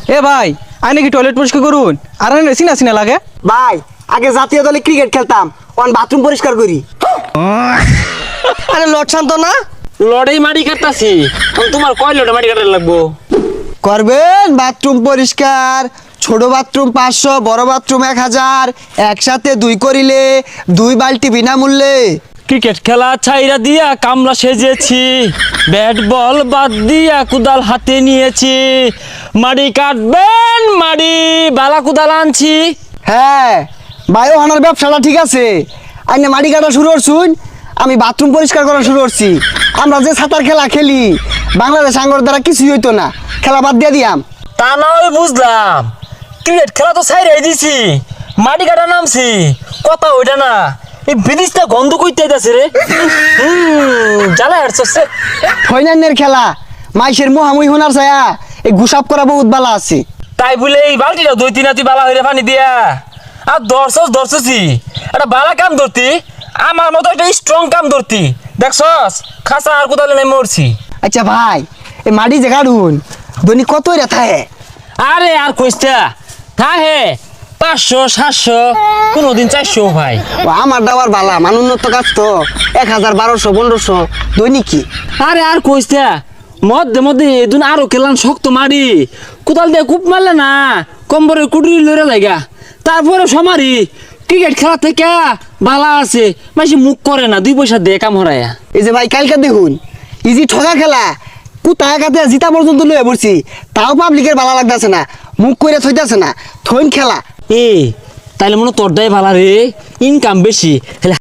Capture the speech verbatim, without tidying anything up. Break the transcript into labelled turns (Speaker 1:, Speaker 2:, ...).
Speaker 1: এ ভাই আই নাকি টয়লেট পরিষ্কার করুন আর আনে সিনা সিনা লাগে
Speaker 2: ভাই আগে জাতীয় দলে ক্রিকেট খেলতাম অন বাথরুম পরিষ্কার করি।
Speaker 1: আরে লট শান্ত না
Speaker 3: লড়াই মাটি কাটতাছি তোমার কয় লড়াই মাটি কাটার লাগবো?
Speaker 2: করবেন বাথরুম পরিষ্কার, ছোট বাথরুম পাঁচশো, বড় বাথরুম এক হাজার, একসাথে দুই করিলে দুই বালতি বিনামূল্যে।
Speaker 3: ক্রিকেট খেলা ছাইরা দিয়া কামলা সেজেছি, ব্যাট বল বাদ দিয়া কুদাল হাতে নিয়েছি, মাটি কাটবেন মাটি বালা কুদাল আনছি।
Speaker 2: হ্যাঁ বায়ো হানার ব্যবসাটা ঠিক আছে, আইনে মাটি কাটা শুরু করছুন, আমি বাথরুম পরিষ্কার করা শুরু করছি। আমরা যে সাঁতার খেলা খেলি বাংলাদেশ আঙ্গর দ্বারা কিছুই হইতো না, খেলা বাদ দিয়ে দিয়াম।
Speaker 3: তা না হয় বুঝলাম, ক্রিকেট খেলা তো ছাইরাই দিছি, মাটি কাটা নামছি, কথা ওইটা না, এই বিদিশটা গন্ধ কইতে যাচ্ছে রে। হুম জ্বালা হাঁটছে।
Speaker 2: ফৈনান্যের খেলা মাইসের মুহামুই হোনার ছায়া এই গুসাপ করা বহুত বালা আছে।
Speaker 3: তাই বলে এই বালতিটা দুই তিন হাতি বালা হইরে পানি দিয়া আর দর্শস দর্শসি একটা বালা কাম ধরতি, আমার মতো একটা স্ট্রং কাম ধরতি, দেখছস খাসা আর কোথাও নাই মরছি।
Speaker 2: আচ্ছা ভাই এই মাটি যে কাটুন দৈনিক কত রেথা হে?
Speaker 3: আরে আর কইস্তা থাহে পাঁচশো সাতশো কোনোদিন চারশো ভাই।
Speaker 2: ও আমার দাবার বালা মান উন্নত কাজ তো এক হাজার বারোশো পনেরোশো দৈনিক কি।
Speaker 3: আরে আর কইস্তা মধ্যে মধ্যে এদিন আরো কেলান শক্ত মারি কোদাল দিয়ে কূপ মারলে না কম্বরে কুটুরি লড়ে লাগা, তারপরে সমারি ক্রিকেট খেলা থেকে বালা আছে মাসি মুখ করে না, দুই পয়সা দিয়ে কাম হরায়া।
Speaker 2: এই যে ভাই কালকে দেখুন ইজি ঠগা খেলা কুতা একাতে জিতা পর্যন্ত লয়ে পড়ছি, তাও পাবলিকের বালা লাগতেছে না, মুখ করে থইতেছে না, থইন খেলা।
Speaker 3: এ তাইলে মনে তোর দায় ভালা রে, ইনকাম বেশি।